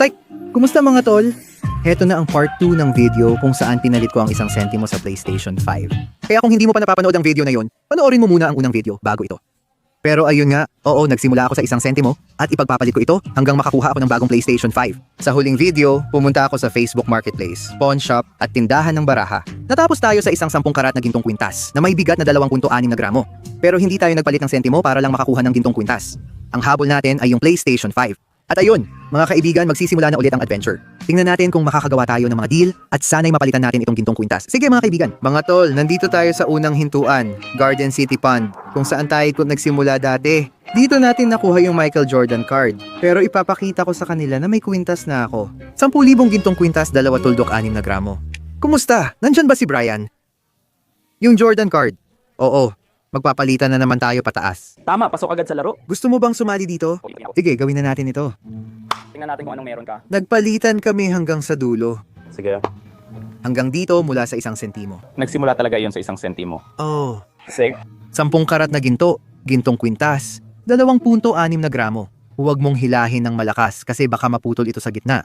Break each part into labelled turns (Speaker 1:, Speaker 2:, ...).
Speaker 1: Psych! Kumusta mga tol? Heto na ang part 2 ng video kung saan pinalit ko ang isang sentimo sa PlayStation 5. Kaya kung hindi mo pa napapanood ang video na yon, panoorin mo muna ang unang video bago ito. Pero ayun nga, oo, nagsimula ako sa isang sentimo at ipagpapalit ko ito hanggang makakuha ako ng bagong PlayStation 5. Sa huling video, pumunta ako sa Facebook Marketplace, pawn shop at tindahan ng baraha. Natapos tayo sa isang 10 karat na gintong kwintas na may bigat na 2.6 na gramo. Pero hindi tayo nagpalit ng sentimo para lang makakuha ng gintong kwintas. Ang habol natin ay yung PlayStation 5. At ayun, mga kaibigan, magsisimula na ulit ang adventure. Tingnan natin kung makakagawa tayo ng mga deal at sana'y mapalitan natin itong gintong kwintas. Sige mga kaibigan. Mga tol, nandito tayo sa unang hintuan, Garden City Pond, kung saan tayo nagsimula dati. Dito natin nakuha yung Michael Jordan card. Pero ipapakita ko sa kanila na may kwintas na ako. 10,000 gintong kwintas, 2.6 na gramo. Kumusta? Nandyan ba si Brian? Yung Jordan card? Oo. Magpapalitan na naman tayo pataas.
Speaker 2: Tama, pasok agad sa laro.
Speaker 1: Gusto mo bang sumali dito? Sige, gawin na natin ito.
Speaker 2: Tingnan natin kung anong meron ka.
Speaker 1: Nagpalitan kami hanggang sa dulo.
Speaker 2: Sige.
Speaker 1: Hanggang dito mula sa 1 sentimo.
Speaker 2: Nagsimula talaga yon sa 1 sentimo.
Speaker 1: Oh,
Speaker 2: Sige.
Speaker 1: 10 karat na ginto, gintong kwintas, 2.6 na gramo. Huwag mong hilahin ng malakas kasi baka maputol ito sa gitna.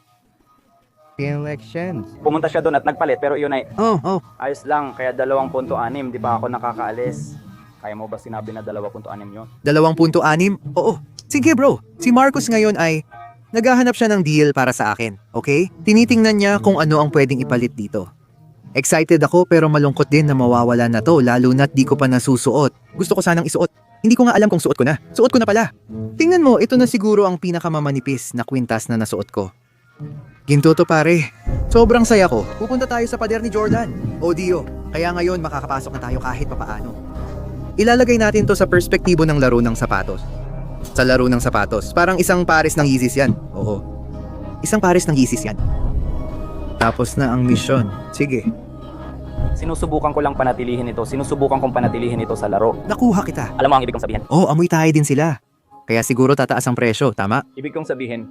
Speaker 1: Elections.
Speaker 2: Pumunta siya doon at nagpalit pero yun ay
Speaker 1: Oh.
Speaker 2: ayos lang. Kaya 2.6, di pa ako nakakaalis. Kaya mo ba sinabi na 2.6 yun?
Speaker 1: 2.6? Oo. Sige bro, si Marcos ngayon ay naghahanap siya ng deal para sa akin, okay? Tinitingnan niya kung ano ang pwedeng ipalit dito. Excited ako pero malungkot din na mawawala na to lalo na't di ko pa nasusuot. Gusto ko sanang isuot. Hindi ko nga alam kung suot ko na. Suot ko na pala. Tingnan mo, ito na siguro ang pinakamamanipis na kwintas na nasuot ko. Ginto to pare. Sobrang saya ko. Pupunta tayo sa pader ni Jordan. O Dio, kaya ngayon makakapasok na tayo kahit papaano. Ilalagay natin to sa perspektibo ng laro ng sapatos. Sa laro ng sapatos, parang isang pares ng Yeezys yan. Oo. Isang pares ng Yeezys yan. Tapos na ang misyon. Sige.
Speaker 2: Sinusubukan ko lang panatilihin ito. Sinusubukan kong panatilihin ito sa laro.
Speaker 1: Nakuha kita.
Speaker 2: Alam mo ang ibig kong sabihin?
Speaker 1: Oh, amoy tayo din sila. Kaya siguro tataas ang presyo, tama?
Speaker 2: Ibig kong sabihin,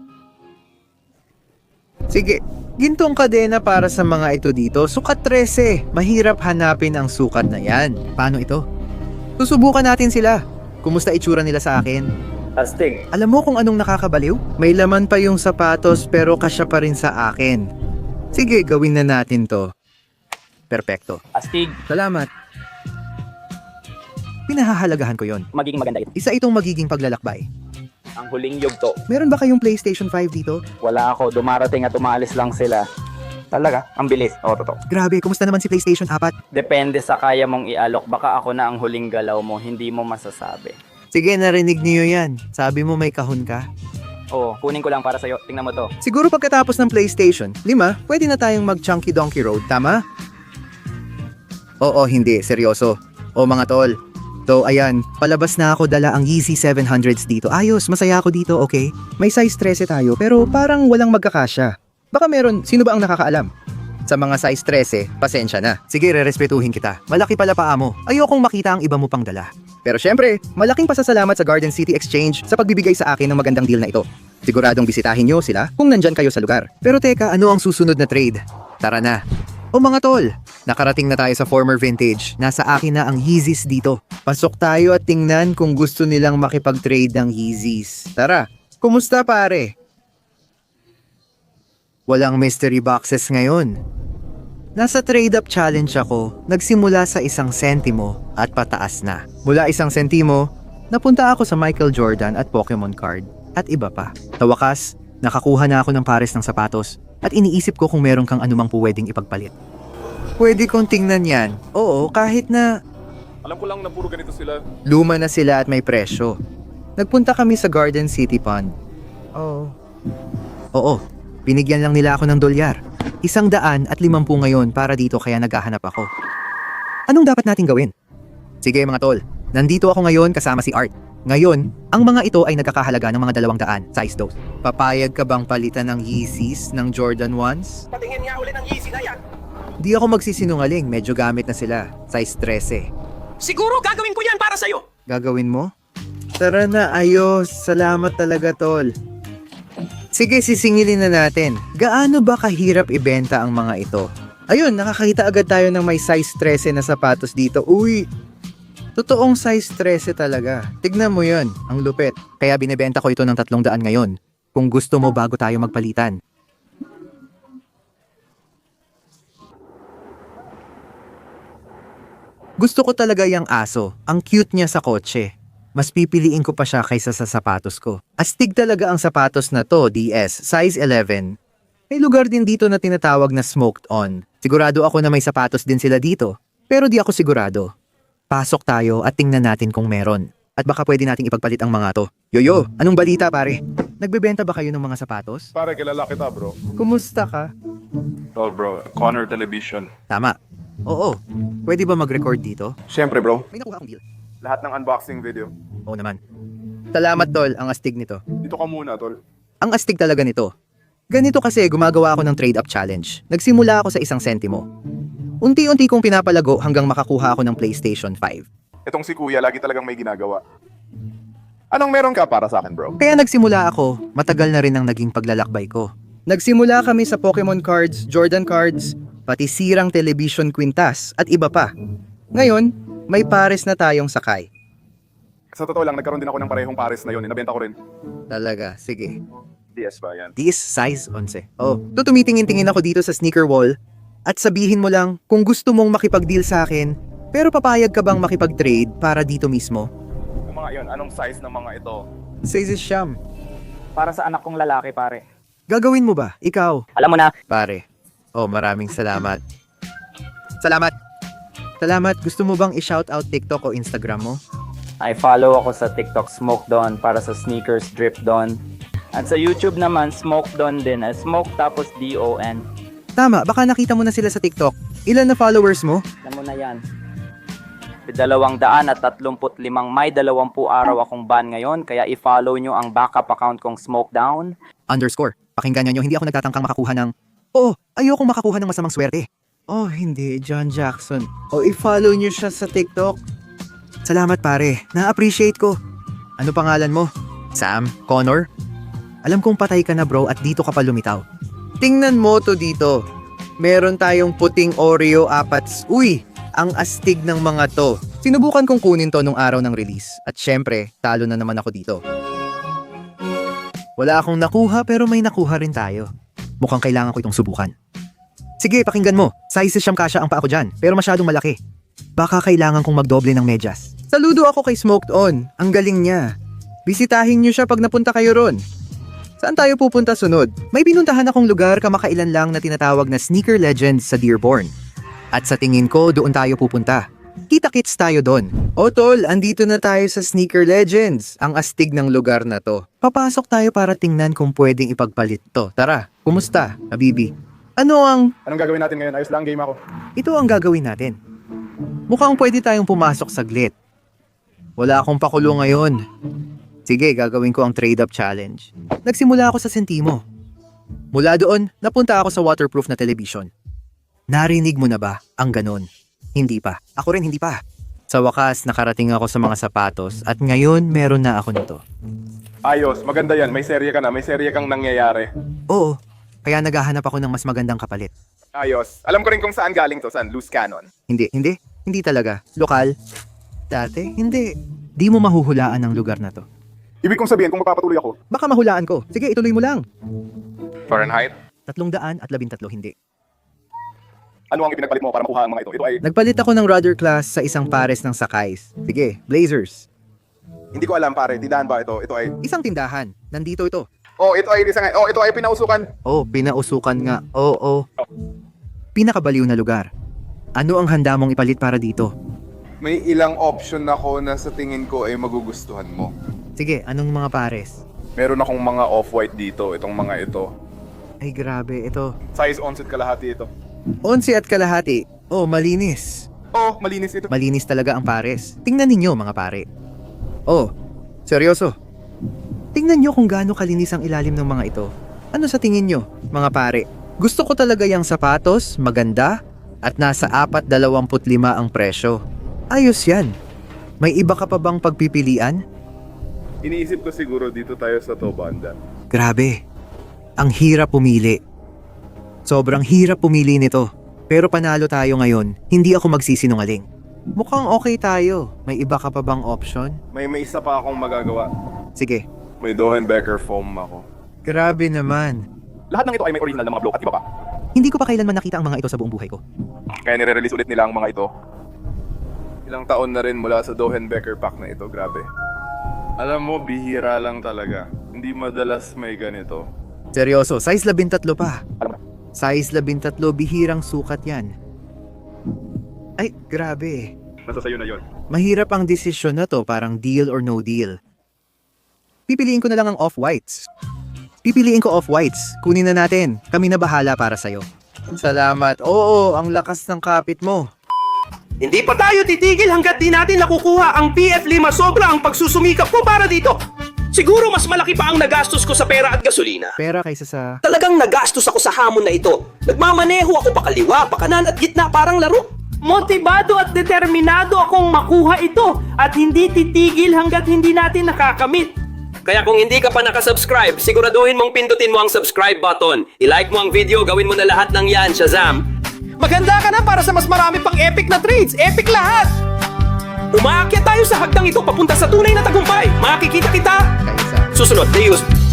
Speaker 1: Sige, gintong kadena para sa mga ito dito, sukat 13. Mahirap hanapin ang sukat na yan. Paano ito? Susubukan natin sila. Kumusta itsura nila sa akin?
Speaker 2: astig.
Speaker 1: Alam mo kung anong nakakabaliw? May laman pa yung sapatos pero kasya pa rin sa akin. Sige, gawin na natin to. Perpekto.
Speaker 2: Astig.
Speaker 1: Salamat. Pinahahalagahan ko yon.
Speaker 2: Magiging maganda ito.
Speaker 1: Isa itong magiging paglalakbay.
Speaker 2: Ang huling yugto.
Speaker 1: Meron ba kayong PlayStation 5 dito?
Speaker 2: Wala ako. Dumarating at umalis lang sila. Talaga? Ang bilis. Oo, totoo.
Speaker 1: Grabe, kumusta naman si PlayStation 4?
Speaker 2: Depende sa kaya mong ialok. Baka ako na ang huling galaw mo. Hindi mo masasabi.
Speaker 1: Sige, narinig niyo yan. Sabi mo may kahon ka?
Speaker 2: Oo, kunin ko lang para sa'yo. Tingnan mo to.
Speaker 1: Siguro pagkatapos ng PlayStation 5, pwede na tayong mag-Chunky Donkey Road, tama? Oo, hindi. Seryoso. O mga tol. So, ayan. Palabas na ako, dala ang Yeezy 700s dito. Ayos, masaya ako dito, okay? May size 13 tayo, pero parang walang magkakasya. Baka meron, sino ba ang nakakaalam? Sa mga size 13, pasensya na. Sige, rerespetuhin kita. Malaki pala paa mo. Ayokong makita ang iba mo pang dala. Pero syempre, malaking pasasalamat sa Garden City Exchange sa pagbibigay sa akin ng magandang deal na ito. Siguradong bisitahin nyo sila kung nandyan kayo sa lugar. Pero teka, ano ang susunod na trade? Tara na. O mga tol, nakarating na tayo sa former vintage. Nasa akin na ang Yeezys dito. Pasok tayo at tingnan kung gusto nilang makipag-trade ng Yeezys. Tara, kumusta pare? Walang mystery boxes ngayon. Nasa trade-up challenge ako, nagsimula sa 1 sentimo at pataas na. Mula 1 sentimo, napunta ako sa Michael Jordan at Pokemon card at iba pa. Sa wakas, nakakuha na ako ng pares ng sapatos at iniisip ko kung meron kang anumang pwedeng ipagpalit. Pwede kong tingnan yan. Oo, kahit na
Speaker 3: Alam ko lang na puro ganito sila.
Speaker 1: luma na sila at may presyo. Nagpunta kami sa Garden City Pond. Oo, binigyan lang nila ako ng $100. 150 ngayon para dito kaya naghahanap ako. Anong dapat nating gawin? Sige mga tol, nandito ako ngayon kasama si Art. Ngayon, ang mga ito ay nagkakahalaga ng mga 200, size 2. Papayag ka bang palitan ng Yeezys ng Jordan 1s?
Speaker 3: Patingin nga uli ng Yeezy na yan.
Speaker 1: Di ako magsisinungaling, medyo gamit na sila. Size 13.
Speaker 3: Siguro gagawin ko yan para sa'yo.
Speaker 1: Gagawin mo? Tara na, ayos. Salamat talaga, tol. Sige, sisingilin na natin. Gaano ba kahirap ibenta ang mga ito? Ayun, nakakita agad tayo ng may size 13 na sapatos dito. Uy! Totoong size 13 talaga. Tignan mo yon, ang lupit. Kaya binebenta ko ito ng 300 ngayon. kung gusto mo bago tayo magpalitan. Gusto ko talaga yung aso. Ang cute niya sa kotse. Mas pipiliin ko pa siya kaysa sa sapatos ko. Astig talaga ang sapatos na to, DS, size 11. May lugar din dito na tinatawag na smoked on. Sigurado ako na may sapatos din sila dito. Pero di ako sigurado. Pasok tayo at tingnan natin kung meron. At baka pwede nating ipagpalit ang mga to. Yoyo, anong balita pare? Nagbebenta ba kayo ng mga sapatos?
Speaker 3: Pare, kilala kita bro.
Speaker 1: Kumusta ka?
Speaker 3: Oh bro, Connor Television.
Speaker 1: Tama. Oo. Pwede ba mag-record dito?
Speaker 3: Siyempre bro.
Speaker 1: May nakuha akong deal.
Speaker 3: Lahat ng unboxing video.
Speaker 1: Oo naman. Salamat tol, ang astig nito.
Speaker 3: Dito ka muna tol.
Speaker 1: Ang astig talaga nito. Ganito kasi gumagawa ako ng trade-up challenge. Nagsimula ako sa 1 sentimo. Unti-unti kong pinapalago hanggang makakuha ako ng PlayStation 5.
Speaker 3: Itong si kuya, lagi talagang may ginagawa. Anong meron ka para sa akin bro?
Speaker 1: Kaya nagsimula ako, matagal na rin ang naging paglalakbay ko. Nagsimula kami sa Pokemon cards, Jordan cards, pati sirang television quintas at iba pa. Ngayon, may pares na tayong sakay.
Speaker 3: Sa totoo lang, nagkaroon din ako ng parehong pares na yun. Nabenta ko rin.
Speaker 1: Talaga, sige.
Speaker 3: DS ba yan?
Speaker 1: This size 11. Oh, tumitingin-tingin ako dito sa sneaker wall at sabihin mo lang kung gusto mong makipag-deal sa akin, pero papayag ka bang makipag-trade para dito mismo?
Speaker 3: Yung mga yun, anong size ng mga ito?
Speaker 1: Size siyam.
Speaker 2: Para sa anak kong lalaki, pare.
Speaker 1: Gagawin mo ba? Ikaw?
Speaker 2: Alam mo na,
Speaker 1: Pare. Oh, maraming salamat. Salamat. Salamat. Gusto mo bang i-shoutout TikTok o Instagram mo?
Speaker 2: I follow ako sa TikTok Smoke Don para sa sneakers Drip Don. At sa YouTube naman, Smoke Don din. Smoke tapos D-O-N.
Speaker 1: Tama, baka nakita mo na sila sa TikTok. Ilan na followers mo?
Speaker 2: Alam mo na yan. 235 may 20 araw akong ban ngayon, kaya i-follow nyo ang backup account kong Smoke Down.
Speaker 1: _ Pakinggan nyo, hindi ako nagtatangkang makakuha ng... Oh, ayokong makakuha ng masamang swerte. Oh, hindi, John Jackson. Oh, i-follow nyo siya sa TikTok. Salamat pare, na-appreciate ko. Ano pangalan mo? Sam? Connor? Alam kong patay ka na bro at dito ka pa lumitaw. Tingnan mo to dito. Meron tayong puting Oreo apats. Uy, ang astig ng mga to. Sinubukan kong kunin to nung araw ng release. At syempre, talo na naman ako dito. Wala akong nakuha pero may nakuha rin tayo. Mukhang kailangan ko itong subukan. Sige, pakinggan mo. Size siyam kasya ang paa ko dyan, pero masyadong malaki. Baka kailangan kong magdoble ng medyas. Saludo ako kay Smoked On. Ang galing niya. Bisitahin niyo siya pag napunta kayo ron. Saan tayo pupunta sunod? May pinuntahan akong lugar kamakailan lang na tinatawag na Sneaker Legends sa Dearborn. At sa tingin ko, doon tayo pupunta. Kita-kits tayo doon. O tol, andito na tayo sa Sneaker Legends. Ang astig ng lugar na to. Papasok tayo para tingnan kung pwedeng ipagpalit to. Tara, kumusta, Habibi?
Speaker 3: Anong gagawin natin ngayon? Ayos lang, game ako.
Speaker 1: Ito ang gagawin natin. Mukhang pwede tayong pumasok saglit. Wala akong pakulo ngayon. Sige, gagawin ko ang trade-up challenge. Nagsimula ako sa sentimo. Mula doon, napunta ako sa waterproof na television. Narinig mo na ba ang ganon? Hindi pa. Ako rin hindi pa. Sa wakas, nakarating ako sa mga sapatos at ngayon meron na ako nito.
Speaker 3: Ayos, maganda yan. May serye ka na. May serye kang nangyayari.
Speaker 1: Oo, kaya naghahanap ako ng mas magandang kapalit.
Speaker 3: Ayos. Alam ko rin kung saan galing to. Saan? Loose cannon.
Speaker 1: Hindi talaga. Lokal. Dati, hindi. Di mo mahuhulaan ang lugar na to.
Speaker 3: Ibig kong sabihin, kung magpapatuloy ako.
Speaker 1: Baka mahulaan ko. Sige, ituloy mo lang.
Speaker 3: Fahrenheit?
Speaker 1: 313 hindi.
Speaker 3: Ano ang ipinagpalit mo para makuha ang mga ito? Ito ay...
Speaker 1: Nagpalit ako ng rudder class sa isang pares ng sakays. Sige, Blazers.
Speaker 3: Hindi ko alam pare. Tindahan ba ito? Ito ay...
Speaker 1: Isang tindahan. Nandito ito.
Speaker 3: Oh, ito ay isang... Oh, ito ay pinausukan.
Speaker 1: Oh, pinausukan nga. Oo. Pinakabaliw na lugar. Ano ang handa mong ipalit para dito?
Speaker 4: May ilang option ako na sa tingin ko ay magugustuhan mo.
Speaker 1: Sige, anong mga pares?
Speaker 3: Meron akong mga off-white dito. Itong mga ito.
Speaker 1: Ay grabe, ito.
Speaker 3: Size 11 kalahati ito.
Speaker 1: 11 at kalahati. Oh, malinis.
Speaker 3: Oh, malinis ito.
Speaker 1: Malinis talaga ang pares. Tingnan ninyo mga pare. Oh, seryoso. Tingnan nyo kung gaano kalinis ang ilalim ng mga ito. Ano sa tingin nyo, mga pare? Gusto ko talaga yung sapatos, maganda, at nasa 4.25 ang presyo. Ayos yan. May iba ka pa bang pagpipilian?
Speaker 3: Iniisip ko siguro dito tayo sa to banda.
Speaker 1: Grabe. Ang hirap pumili. Sobrang hirap pumili nito. Pero panalo tayo ngayon, hindi ako magsisinungaling. Mukhang okay tayo. May iba ka pa bang option?
Speaker 3: May isa pa akong magagawa.
Speaker 1: Sige.
Speaker 3: May Dohenbecker foam ako.
Speaker 1: Grabe naman.
Speaker 3: Lahat ng ito ay may original na mga bloke at iba pa.
Speaker 1: Hindi ko pa kailanman nakita ang mga ito sa buong buhay ko.
Speaker 3: Kaya nire-release ulit nila ang mga ito.
Speaker 4: Ilang taon na rin mula sa Dohenbecker pack na ito, grabe. Alam mo, bihira lang talaga. Hindi madalas may ganito.
Speaker 1: Seryoso, size 13 pa.
Speaker 3: Alam mo,
Speaker 1: Size 13, bihirang sukat yan. Ay, grabe.
Speaker 3: nasa sayo na yun.
Speaker 1: Mahirap ang desisyon na to, parang deal or no deal. Pipiliin ko na lang ang off-whites. Pipiliin ko off-whites. Kunin na natin. Kami na bahala para sa'yo. Salamat. Oo, ang lakas ng kapit mo.
Speaker 5: Hindi pa tayo titigil hanggat di natin nakukuha ang PF5 sobra ang pagsusumikap ko para dito. Siguro mas malaki pa ang nagastos ko sa pera at gasolina.
Speaker 1: Pera kaysa sa...
Speaker 5: Talagang nagastos ako sa hamon na ito. Nagmamaneho ako pakaliwa, pakanan at gitna parang laro.
Speaker 6: Motibado at determinado akong makuha ito at hindi titigil hanggat hindi natin nakakamit.
Speaker 5: Kaya kung hindi ka pa nakasubscribe, siguraduhin mong pindutin mo ang subscribe button. I-like mo ang video, gawin mo na lahat ng yan, Shazam!
Speaker 6: Maganda ka na para sa mas marami pang epic na trades. Epic lahat!
Speaker 5: Umaakyat tayo sa hagdang ito papunta sa tunay na tagumpay. Makikita kita!
Speaker 1: Kaysa...
Speaker 5: Susunod, Deus!